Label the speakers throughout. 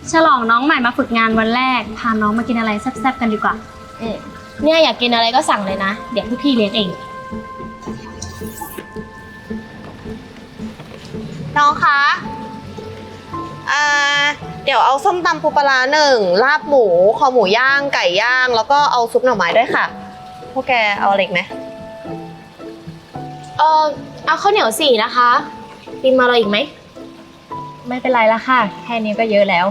Speaker 1: ฉลองน้องใหม่มาฝึกงานวันแรกพาน้องมากินอะไรแซ่บๆกันดีกว่า
Speaker 2: เนี่ยอยากกินอะไรก็สั่งเลยนะเดี๋ยวพี่เลี้ยงเอง
Speaker 3: น้องคะเดี๋ยวเอาส้มตำปูปลา1ลาบหมูคอหมูย่างไก่ย่างแล้วก็เอาซุปหน่อไม้ด้วยค่ะพวกแกเอาอะไรอีกไหม
Speaker 2: เอาข้าวเหนียว4นะคะปิมมาอะไรอีกไหม
Speaker 4: ไม่เป็นไรละค่ะแค่นี้ก็เยอะแล้ว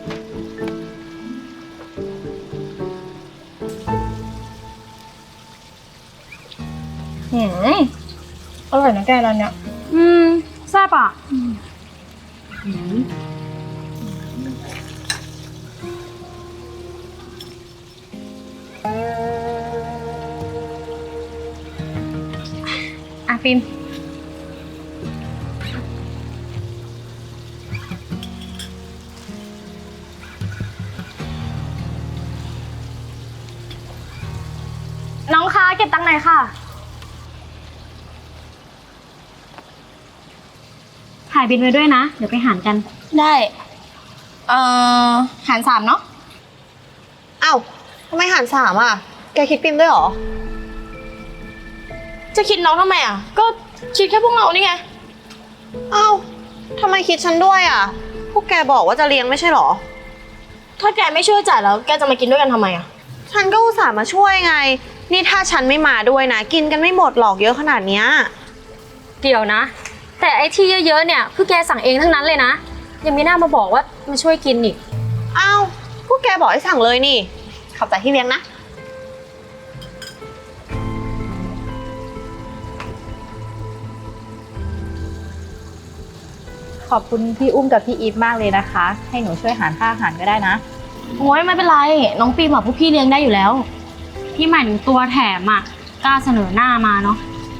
Speaker 4: อร่อยนะแกร้านเนี้ย
Speaker 1: แซ่บอ่ะฟิล์มน้องคะเก็บตังค์หน่อยค่ะถ่ายบินไว้ด้วยนะเดี๋ยวไปหารกัน
Speaker 2: ได้หาร3เนาะ
Speaker 3: อ้าวทำไมหาร3อ่ะแกคิดปิมด้วยเหรอ
Speaker 2: จะคิดน้องทำไมอ่ะก็คิดแค่พวกเรานี่ไง
Speaker 3: อ้าวทำไมคิดฉันด้วยอ่ะพวกแกบอกว่าจะเลี้ยงไม่ใช่เหรอ
Speaker 2: ถ้าแกไม่ช่วยจ่ายแล้วแกจะมากินด้วยกันทำไมอ่ะ
Speaker 3: ฉันก็อุตส่าห์มาช่วยไงนี่ถ้าฉันไม่มาด้วยนะกินกันไม่หมดหรอกเยอะขนาดเนี้ย
Speaker 1: เดี๋ยวนะแต่ไอ้ที่เยอะๆเนี่ยคือแกสั่งเองทั้งนั้นเลยนะยังไม่น่ามาบอกว่ามาช่วยกินอีก
Speaker 3: อ้าวพวกแกบอกให้สั่งเลยนี่ขอบใจที่เลี้ยงนะ
Speaker 4: ขอบคุณพี่อุ้มกับพี่อีฟมากเลยนะคะให้หนูช่วยหารค่าอาหารก็ได้นะ
Speaker 2: โอ้ยไม่เป็นไรน้องปีมพวกพี่เลี้ยงได้อยู่แล้ว
Speaker 1: พี่หมายถึงตัวแถมอ่ะกล้าเสนอหน้ามาเนาะ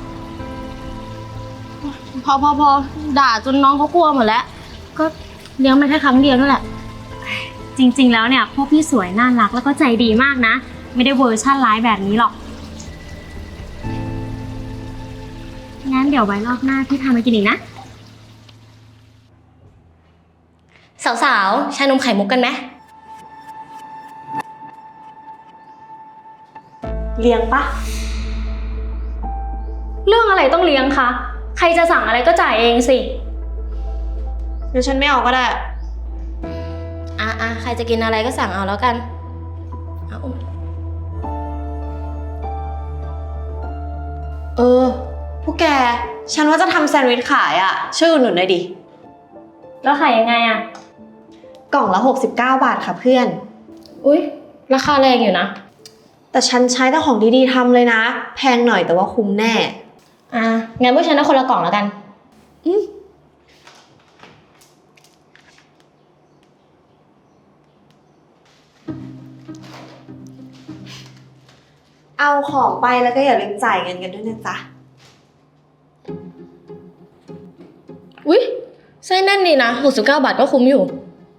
Speaker 2: พอด่าจนน้องเขากลัวหมดแล้วก็เลี้ยงมาแค่ครั้งเดียวนั่นแหละ
Speaker 1: จริงๆแล้วเนี่ยพวกพี่สวยน่ารักแล้วก็ใจดีมากนะไม่ได้เวอร์ชั่นร้ายแบบนี้หรอกงั้นเดี๋ยวไว้รอบหน้าพี่พามากินอีกนะ
Speaker 2: สาวๆชานมไข่มุกกันไหม
Speaker 3: เลี้ยงปะ
Speaker 1: เรื่องอะไรต้องเลี้ยงคะใครจะสั่งอะไรก็จ่ายเองสิ
Speaker 3: เดี๋ยวฉันไม่เอาก็ได้
Speaker 2: ใครจะกินอะไรก็สั่งเอาแล้วกัน
Speaker 3: พวกแกฉันว่าจะทำแซนด์วิชขายอ่ะช่วยอุดหนุนหน่อยดิ
Speaker 1: แล้วขายยังไงอ่ะ
Speaker 3: กล่องละ69 บาทค่ะเพื่อน
Speaker 2: อุ๊ยราคาแรงอยู่นะ
Speaker 3: แต่ฉันใช้แต่ของดีๆทำเลยนะแพงหน่อยแต่ว่าคุ้มแน่
Speaker 2: งั้นพวกฉันเอาคนละกล่องแล้วกัน
Speaker 3: เอาของไปแล้วก็อย่าลืมจ่ายเงินกันด้วยนะจ๊ะ
Speaker 2: อุ๊ยไส้แน่นดีนะ69 บาทก็คุ้มอยู่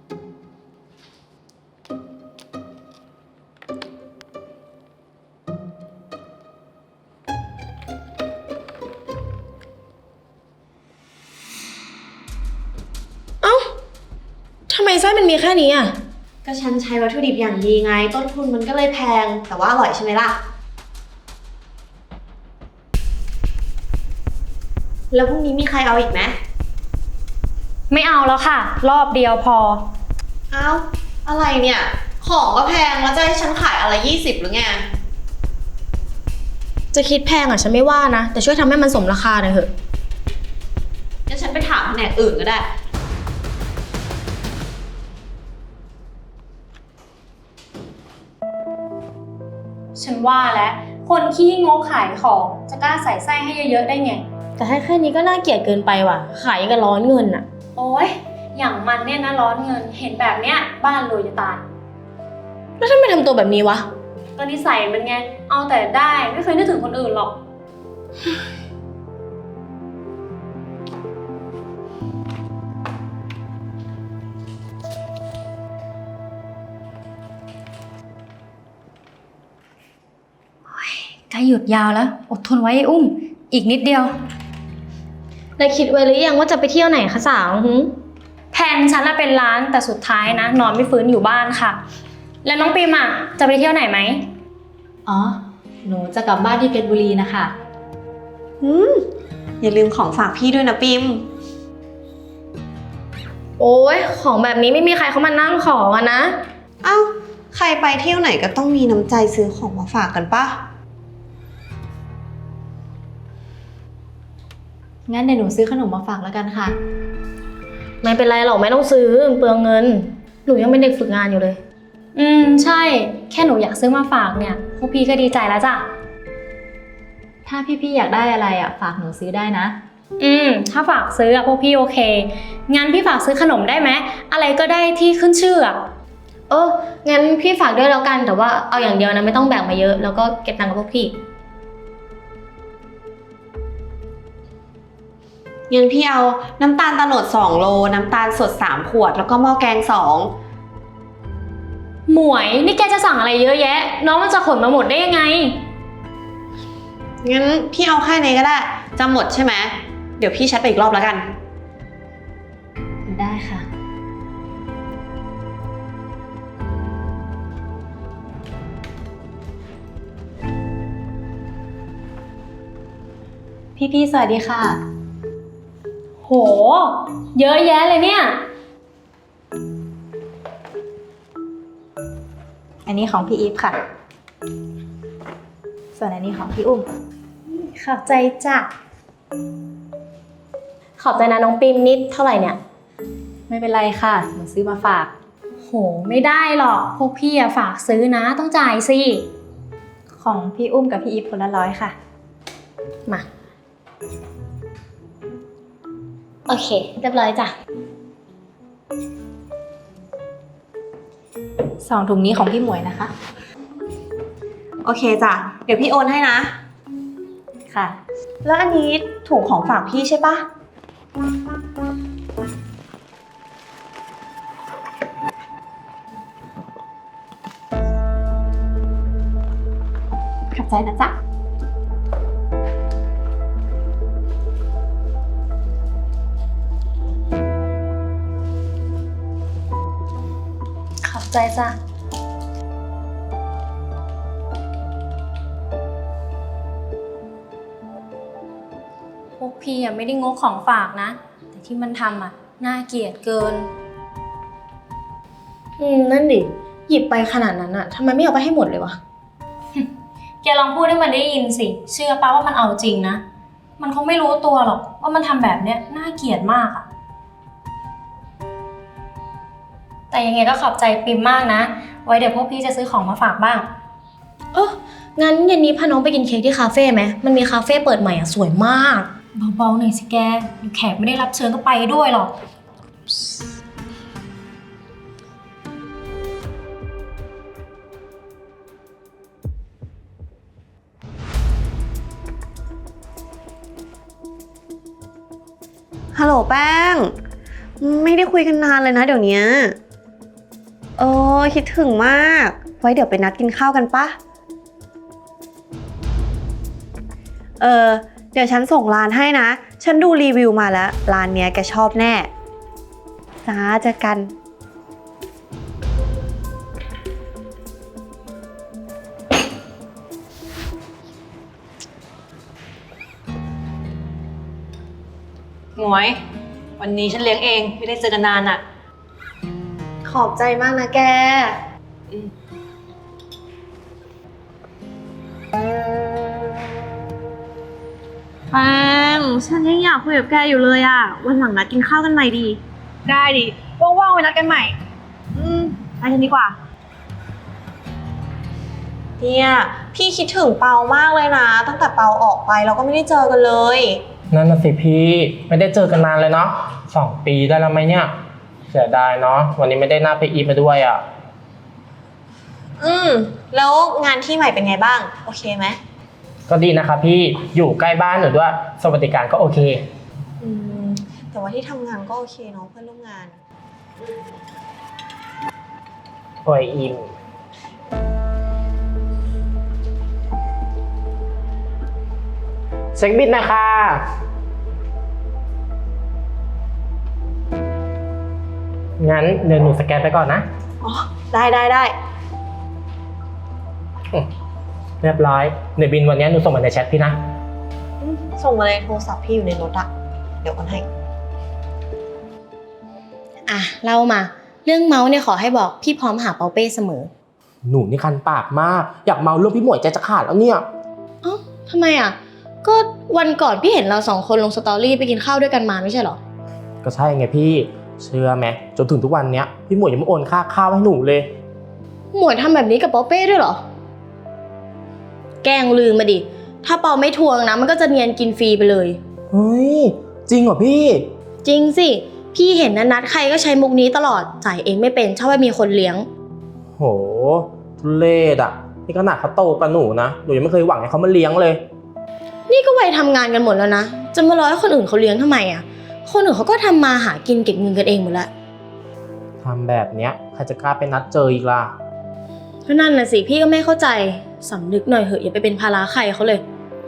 Speaker 2: ทำไมไส้มันมีแค่นี้อ่ะ
Speaker 3: ก็ฉันใช้วัตถุดิบอย่างดีไงต้นทุนมันก็เลยแพงแต่ว่าอร่อยใช่ไหมล่ะแล้วพรุ่งนี้มีใครเอาอีกไหม
Speaker 1: ไม่เอาแล้วค่ะรอบเดียวพอ
Speaker 3: เอาอะไรเนี่ยของก็แพงแล้วจะให้ฉันขายอะไร20หรือไง
Speaker 2: จะคิดแพงอ่ะฉันไม่ว่านะแต่ช่วยทำให้มันสมราคาหน่อยเถอะ
Speaker 3: งั้นฉันไปถามแผนกอื่นก็ได้
Speaker 1: ฉันว่าแล้วคนขี้งกขายของจะกล้าใส่ไส้ให้เยอะๆได้ไง
Speaker 2: แต่ให้แค่นี้ก็น่าเกลียดเกินไปว่ะขายกันร้อนเงินอ่ะ
Speaker 1: โอ๊ยอย่างมันเนี่ยนะร้อนเงินเห็นแบบเนี้ยบ้านรวยจะตาย
Speaker 2: แล้วทำไมทำตัวแบบนี้วะ
Speaker 1: ก็นิสัยมันไงเอาแต่ได้ไม่เคยนึกถึงคนอื่นหรอกใกล้หยุดยาวแล้วอดทนไว้ไอ้อุ้มอีกนิดเดียว
Speaker 2: ได้คิดไว้หรือยังว่าจะไปเที่ยวไหนคะสาว
Speaker 1: แพนฉันน่ะเป็นล้านแต่สุดท้ายนะนอนไม่ฟื้นอยู่บ้านค่ะ แล้วน้องปิมอ่ะจะไปเที่ยวไหนไหม
Speaker 4: อ๋อ หนูจะกลับบ้านที่เพชรบุรีนะคะ
Speaker 3: อย่าลืมของฝากพี่ด้วยนะปิม
Speaker 2: โอ้ยของแบบนี้ไม่มีใครเขามานั่งขอกันนะ
Speaker 3: เอ้าใครไปเที่ยวไหนก็ต้องมีน้ำใจซื้อของมาฝากกันปะ
Speaker 4: งั้นเดี๋ยวหนูซื้อขนมมาฝากแล้วกันค่ะ
Speaker 2: ไม่เป็นไรหรอกไม่ต้องซื้อเปลืองเงิน หนูยังเป็นเด็กฝึกงานอยู่เลย
Speaker 1: ใช่แค่หนูอยากซื้อมาฝากเนี่ยพวกพี่ก็ดีใจแล้วจ้ะ
Speaker 4: ถ้าพี่ๆอยากได้อะไรอ่ะฝากหนูซื้อได้นะ
Speaker 1: ถ้าฝากซื้ออะพวกพี่โอเคงั้นพี่ฝากซื้อขนมได้ไหมอะไรก็ได้ที่ขึ้นชื่ออะ
Speaker 2: งั้นพี่ฝากด้วยแล้วกันแต่ว่าเอาอย่างเดียวนะไม่ต้องแบ่งมาเยอะแล้วก็เก็บตังค์กับพวกพี่
Speaker 3: งั้นพี่เอาน้ำตาลโตนด2 โล น้ำตาลสด3 ขวด แล้วก็หม้อแกง
Speaker 1: หมวยนี่แกจะสั่งอะไรเยอะแยะ น้องมันจะขนมาหมดได้ยังไง
Speaker 3: 2งั้นพี่เอาแค่นี้ก็ได้จะหมดใช่ไหมเดี๋ยวพี่แชทไปอีกรอบแล้วกัน
Speaker 4: ได้ค่ะ พี่ๆสวัสดีค่ะ
Speaker 1: โห เยอะแยะเลยเนี่ย
Speaker 4: อันนี้ของพี่อีฟค่ะ ส่วนอันนี้ของพี่อุ้ม
Speaker 1: ขอบใจจ้ะ
Speaker 2: ขอบใจนะน้องปิมนิดเท่าไหร่เนี่ย
Speaker 4: ไม่เป็นไรค่ะ หนูซื้อมาฝาก
Speaker 1: โหไม่ได้หรอกพวกพี่อะฝากซื้อนะต้องจ่ายสิ
Speaker 4: ของพี่อุ้มกับพี่อีฟคนละ100ค่ะ
Speaker 2: มา โอเค เรียบร้อยจ้ะ
Speaker 4: 2 ถุงนี้ของพี่หมวยนะคะ
Speaker 3: โอเคจ้ะเดี๋ยวพี่โอนให้นะ
Speaker 4: ค่ะ
Speaker 3: แล้วอันนี้ถุงของฝากพี่ใช่ปะ
Speaker 4: ขอบใจนะจ๊ะ
Speaker 1: ขอบใจจ้ะพวกพี่อะไม่ได้งกของฝากนะ แต่ที่มันทำอะน่าเกลียดเกิน
Speaker 2: นั่นดิ หยิบไปขนาดนั้นอะทำไมไม่เอาไปให้หมดเลยวะ
Speaker 1: แกลองพูดให้มันได้ยินสิ เชื่อป้าว่ามันเอาจริงนะ มันคงไม่รู้ตัวหรอกว่ามันทำแบบเนี้ยน่าเกลียดมากอะแต่ยังไงก็ขอบใจปิมมากนะ ไว้เดี๋ยวพวกพี่จะซื้อของมาฝากบ้าง
Speaker 2: งั้นเย็นนี้พาน้องไปกินเค้กที่คาเฟ่ไหม มันมีคาเฟ่เปิดใหม่อะสวยมาก
Speaker 1: เบาๆหน่อยสิแกเดี๋ยวแขกไม่ได้รับเชิญก็ไปด้วยหรอก
Speaker 3: ฮัลโหลแป้ง ไม่ได้คุยกันนานเลยนะเดี๋ยวนี้คิดถึงมาก ไว้เดี๋ยวไปนัดกินข้าวกันปะเดี๋ยวฉันส่งร้านให้นะ ฉันดูรีวิวมาแล้ว ร้านเนี้ยแกชอบแน่ จ้าเจอกัน
Speaker 5: หมวย วันนี้ฉันเลี้ยงเองไม่ได้เจอกันนานอ่ะ
Speaker 3: ขอบใจมากนะแก แป้ง ฉันยังอยากคุยกับแกอยู่เลยอ่ะ วันหลังนัดกินข้าวกันใหม่ดี
Speaker 5: ได้ดิ ว่างๆไปนัดกันใหม่
Speaker 3: ไปกันดีกว่า เนี่ยพี่คิดถึงเปามากเลยนะ ตั้งแต่เปาออกไปเราก็ไม่ได้เจอกันเลย
Speaker 6: นั่นน่ะสิพี่ไม่ได้เจอกันนานเลยเนาะ2 ปีได้แล้วไหมเนี่ยเสียดายเนาะวันนี้ไม่ได้หน้าไปอีฟมาด้วยอ่ะ
Speaker 3: แล้วงานที่ใหม่เป็นไงบ้าง โอเคไหม
Speaker 6: ก็ดีนะครับพี่อยู่ใกล้บ้านหนูด้วยสวัสดิการก็โอเค
Speaker 3: แต่ว่าที่ทำงานก็โอเคเนาะเพื่อนร่วมงาน
Speaker 6: โอ้ยอิมเช็คบิลนะคะงั้นเดี๋ยวหนูสแกนไปก่อนนะ
Speaker 3: อ๋อ ได้ได้ได้
Speaker 6: เรียบร้อยเดี๋ยวบินวันนี้หนูส่งมาในแชทพี่นะ
Speaker 3: ส่งมาเลยโทรศัพท์พี่อยู่ในรถอะเดี๋ยวกันให้
Speaker 2: อ่ะเล่ามา เรื่องเมาส์เนี่ยขอให้บอกพี่พร้อมหาเปาเป้เสมอ
Speaker 6: หนูนี่คันปากมาก อยากเมาเรื่องพี่หมวยใจจะขาดแล้วเนี่ย
Speaker 2: เอ้าทำไมอ่ะ ก็วันก่อนพี่เห็นเรา2 คนลงสตอรี่ไปกินข้าวด้วยกันมาไม่ใช่เหรอ
Speaker 6: ก็ใช่ไงพี่ เชื่อไหมจนถึงทุกวันเนี้ยพี่หมวยยังไม่โอนค่าข้าวให้หนูเลย
Speaker 2: หมวยทำแบบนี้กับเปาเป้ด้วยเหรอ แกล้งลืมมาดิ ถ้าเปาไม่ทวงนะมันก็จะเนียนกินฟรีไปเลย
Speaker 6: เฮ้ย จริงเหรอพี่
Speaker 2: จริงสิ พี่เห็นนะนัดใครก็ใช้มุกนี้ตลอด จ่ายเองไม่เป็นชอบให้มีคนเลี้ยง
Speaker 6: โหทุเรศอ่ะนี่ขนาดเขาโตกว่าหนูนะหนูยังไม่เคยหวังให้เขามาเลี้ยงเลย
Speaker 2: นี่ก็วัยทำงานกันหมดแล้วนะ จะมารอให้คนอื่นเขาเลี้ยงทำไมอ่ะ คนอื่นเขาก็ทำมาหากินเก็บเงินกันเองหมดแล้ว
Speaker 6: ทำแบบเนี้ยใครจะกล้าไปนัดเจออีกล่ะ
Speaker 2: ก็นั่นน่ะสิพี่ก็ไม่เข้าใจสำนึกหน่อยเหอะอย่าไปเป็นภาระใครเขาเลย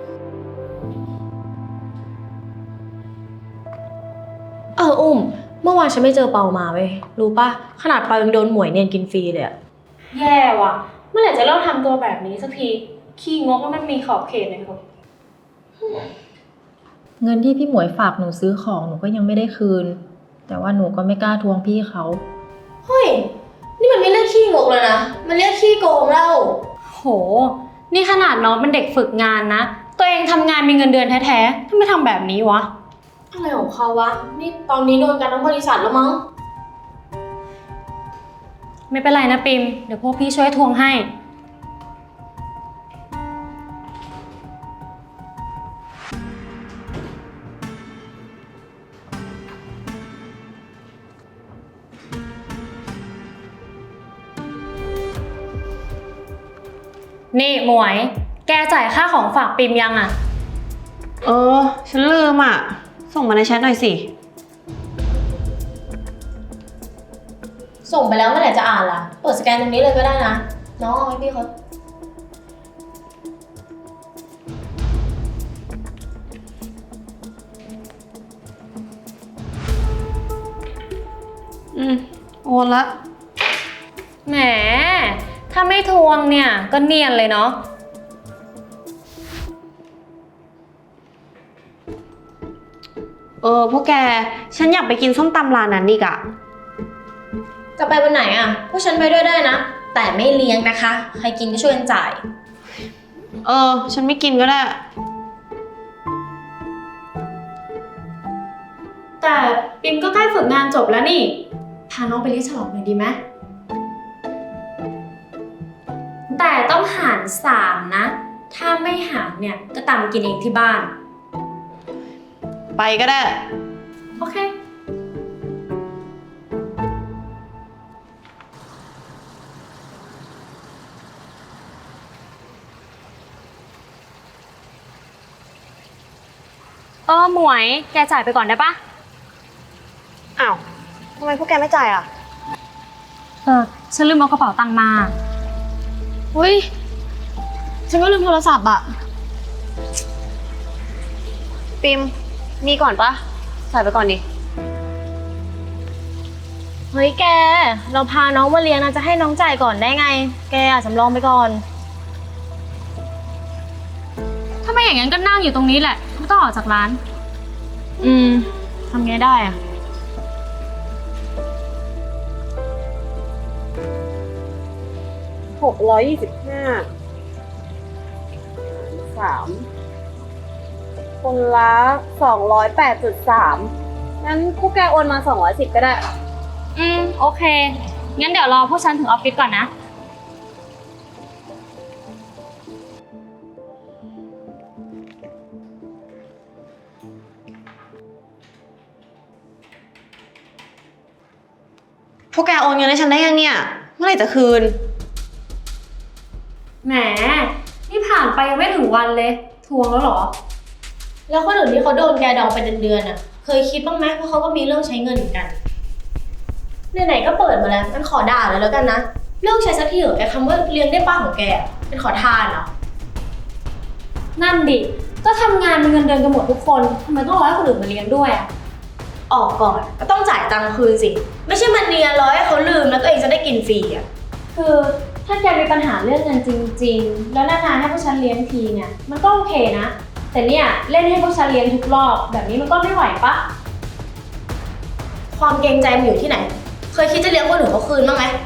Speaker 2: อุ้มเมื่อวานฉันไม่เจอเปามาเว้ยรู้ปะขนาดเปายังโดนหมวยเนียนกินฟรีเลยอะ
Speaker 1: แย่ว่ะ เมื่อไหร่จะเลิกทำตัวแบบนี้สักที ขี้งกแล้วมันมีขอบเขตหน่อยเถอะ
Speaker 4: เงินที่พี่หมวยฝากหนูซื้อของหนูก็ยังไม่ได้คืน แต่ว่าหนูก็ไม่กล้าทวงพี่เขา
Speaker 2: เฮ้ยนี่มันไม่เรียกขี้งกแล้วนะมันเรียกขี้โกงแล้ว
Speaker 1: โห นี่ขนาดน้องเป็นเด็กฝึกงานนะ ตัวเองทำงานมีเงินเดือนแท้ๆทำไมทำแบบนี้วะ
Speaker 2: อะไรของเขาวะนี่ตอนนี้โดนกันทั้งบริษัทแล้วมั้ง
Speaker 1: ไม่เป็นไรนะปิม เดี๋ยวพวกพี่ช่วยทวงให้ นี่หมวย แกจ่ายค่าของฝากปิมยังอะ
Speaker 3: ฉันลืมอะส่งมาในแชทหน่อยสิ
Speaker 2: ส่งไปแล้วเมื่อไหร่จะอ่านล่ะเปิดสแกนตรงนี้เลยก็ได้นะน้องเอาให้พี่เขา
Speaker 3: โอนละ
Speaker 1: แหม ถ้าไม่ทวงเนี่ยก็เนียนเลยเนาะ
Speaker 3: พวกแก ฉันอยากไปกินส้มตำร้านนั้นอีกอะ
Speaker 2: จะไปวันไหนอ่ะพวกฉันไปด้วยได้นะ แต่ไม่เลี้ยงนะคะ ใครกินก็ช่วยกันจ่าย
Speaker 3: ฉันไม่กินก็ได้
Speaker 1: แต่ปิมก็ใกล้ฝึกงานจบแล้วนี่ พาน้องไปเลี้ยงฉลองหน่อยดีไหมแต่ต้องหาร3นะ ถ้าไม่หารเนี่ยก็ตามกินเองที่บ้าน
Speaker 3: ไปก็ได้
Speaker 1: โอเค หมวย แกจ่ายไปก่อนได้ปะ
Speaker 3: อ้าว ทำไมพวกแกไม่จ่ายอะ
Speaker 1: ฉันลืมเอากระเป๋าตังค์มา
Speaker 2: เฮ้ย ฉันก็ลืมโทรศัพท์อ่ะ
Speaker 3: ปิม มีก่อนปะจ่ายไปก่อนดิ
Speaker 2: เฮ้ยแก เราพาน้องมาเลี้ยงนะจะให้น้องจ่ายก่อนได้ไง แกสำรองไปก่อน
Speaker 1: ถ้าไม่อย่างนั้นก็นั่งอยู่ตรงนี้แหละ ไม่ต้องออกจากร้าน
Speaker 2: ทำไงได้อ่ะ
Speaker 3: คนละ208.3งั้นพวกแกโอนมา210ก็ได้
Speaker 1: โอเค งั้นเดี๋ยวรอพวกฉันถึงออฟฟิศก่อนนะ
Speaker 3: พวกแกโอนเงินให้ฉันได้ยังเนี่ย เมื่อไหร่จะคืน
Speaker 1: แหม นี่ผ่านไปยังไม่ถึงวันเลย ทวงแล้วเหรอ
Speaker 2: แล้วคนอื่นที่เขาโดนแกดองเป็นเดือนๆอ่ะ เคยคิดบ้างไหมเพราะเขาก็มีเรื่องใช้เงินเหมือนกันไหนๆก็เปิดมาแล้วงั้นขอด่าเลยแล้วกันนะเลิกใช้สักทีเถอะไอ้คำว่าเลี้ยงได้ป้าของแกอะเป็นขอทานเหรอ
Speaker 1: นั่นดิ ก็ทำงานมีเงินเดือนกันหมดทุกคนทำไมต้องรอให้คนอื่นมาเลี้ยงด้วยอะ
Speaker 2: ออกก่อนก็ต้องจ่ายตังค์คืนสิ ไม่ใช่มันเนียนร้อยให้เขาลืมแล้วตัวเองจะได้กินฟรีอ่ะ
Speaker 1: คือถ้าแกมีปัญหาเรื่องเงินจริงๆ แล้วนานๆให้พวกฉันเลี้ยงทีเนี่ย มันก็โอเคนะ แต่เนี่ยเล่นให้พวกฉันเลี้ยงทุกรอบแบบนี้มันก็ไม่ไหวปะ
Speaker 2: ความเกรงใจมันอยู่ที่ไหน เคยคิดจะเลี้ยงคนอื่นเขาคืนบ้างไหม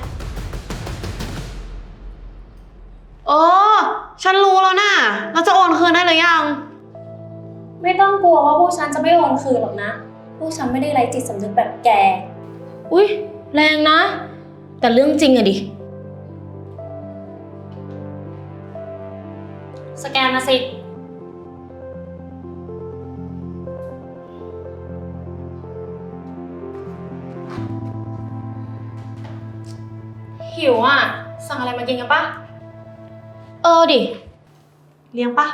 Speaker 3: ฉันรู้แล้วนะเราจะโอนคืนได้หรือยัง
Speaker 1: ไม่ต้องกลัวว่าพวกฉันจะไม่โอนคืนหรอกนะ พวกฉันไม่ได้ไร้จิตสำนึกแบบแก
Speaker 2: อุ๊ย แรงนะ แต่เรื่องจริงอะดิ
Speaker 1: สแกนมาสิ หิวอ่ะ สั่งอะไรมากินกันปะ
Speaker 2: ดิ
Speaker 3: เลี้ยงปะ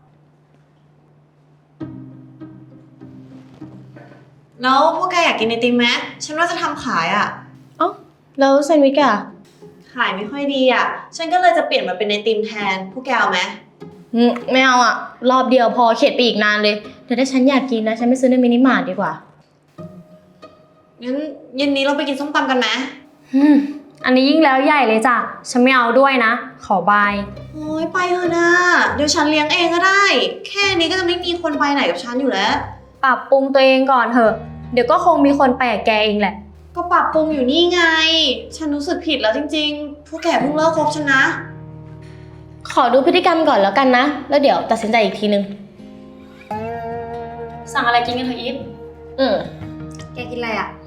Speaker 3: แล้วพวกแกอยากกินไอติมไหมฉันว่าจะทำขายอ่ะ
Speaker 2: เอ้า แล้วแซนด์วิชอะ
Speaker 3: ขายไม่ค่อยดีอ่ะ ฉันก็เลยจะเปลี่ยนมาเป็นไอติมแทน พวกแกเอาไหม
Speaker 2: ไม่เอาอะรอบเดียวพอเข็ดไปอีกนานเลยแต่ถ้าฉันอยากกินนะ ฉันไปซื้อในมินิมาร์ทดีกว่า
Speaker 3: งั้นเย็นนี้เราไปกินส้มตำกันไหม
Speaker 1: อันนี้ยิ่งแล้วใหญ่เลยจ้ะ ฉันไม่เอาด้วยนะ ขอบาย
Speaker 3: โอ้ยไปเถอะนะเดี๋ยวฉันเลี้ยงเองก็ได้ แค่นี้ก็จะไม่มีคนไปไหนกับฉันอยู่แล้ว
Speaker 1: ปรับปรุงตัวเองก่อนเถอะ เดี๋ยวก็คงมีคนไปกับแกเองแหละ
Speaker 3: ก็ปรับปรุงอยู่นี่ไง ฉันรู้สึกผิดแล้วจริงๆ พวกแกเพิ่งเลิกคบฉันนะ
Speaker 2: ขอดูพฤติกรรมก่อนแล้วกันนะ แล้วเดี๋ยวตัดสินใจอีกทีนึง
Speaker 1: สั่งอะไรกินกันเถอะอีฟ
Speaker 2: อืม
Speaker 3: แกกินอะไรอ่ะ